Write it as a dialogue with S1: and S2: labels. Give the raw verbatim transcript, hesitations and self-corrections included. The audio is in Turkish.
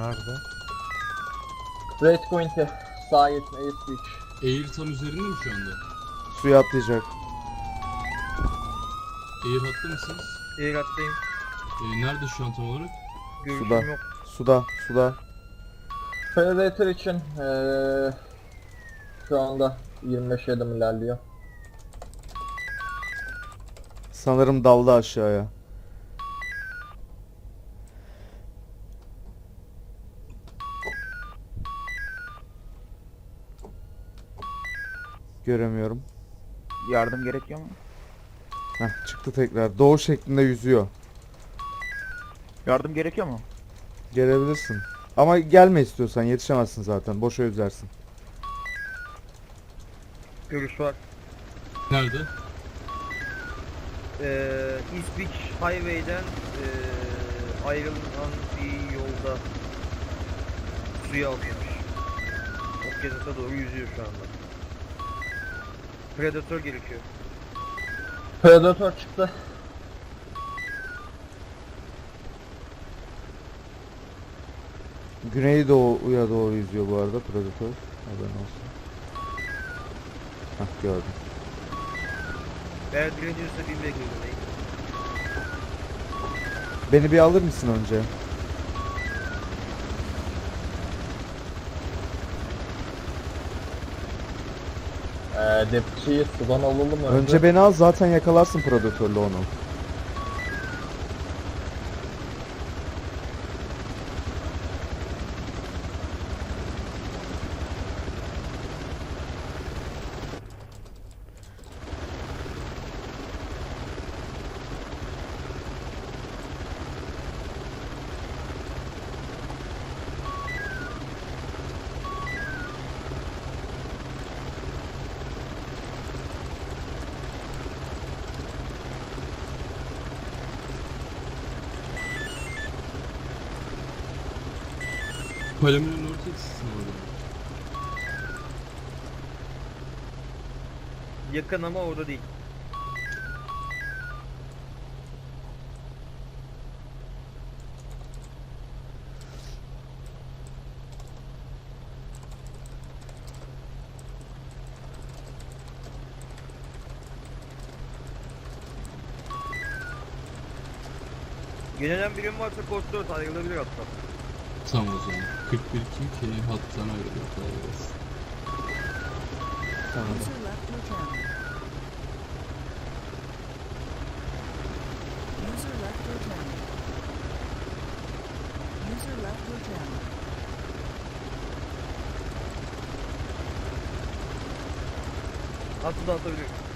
S1: Nerede?
S2: Red Point'e sahip Ace Beach.
S3: Air tam üzerinde mi şu anda?
S4: Suya atlayacak.
S3: Air hattı mısınız?
S5: Air attayım.
S3: Ee, nerede şu an tam olarak?
S5: Görüşüm
S4: Suda.
S5: yok.
S4: Suda. Suda.
S2: Predator için ee, şu anda yirmi beş adım ilerliyor.
S4: Sanırım daldı aşağıya. Göremiyorum.
S6: Yardım gerekiyor mu?
S4: Heh, çıktı tekrar. Doğu şeklinde yüzüyor.
S6: Yardım gerekiyor mu?
S4: Gelebilirsin. Ama gelme istiyorsan, yetişemezsin zaten. Boşa yüzersin.
S5: Görüş var.
S3: Nerede?
S5: Ee, East Beach Highway'den ee, ayrılan bir yolda suya alıyormuş. Okyanusa doğru yüzüyor şu anda. Predator gerekiyor.
S2: Predator çıktı.
S4: Güneydoğuya doğru yüzüyor bu arada Predator. Haberin olsun. Hah, gördüm.
S5: Eğer direniyorsa bir bekleyin.
S4: Beni bir alır mısın önce?
S2: Ee, Depçiyi sudan alalım önce.
S4: Önce beni al, zaten yakalarsın Predator'la onu.
S3: Palamina'nın orta eksisi orada.
S5: Yakın ama orada değil. Yönelen birim varsa kod dört ayrılabilir hatta.
S3: Tamam o zaman. kırk bir kim ki hattan ayrılıyor. Kolay gelsin.
S4: Tamam.
S7: User left your channel. User left your channel. User left your channel.
S5: Atı da atabilir.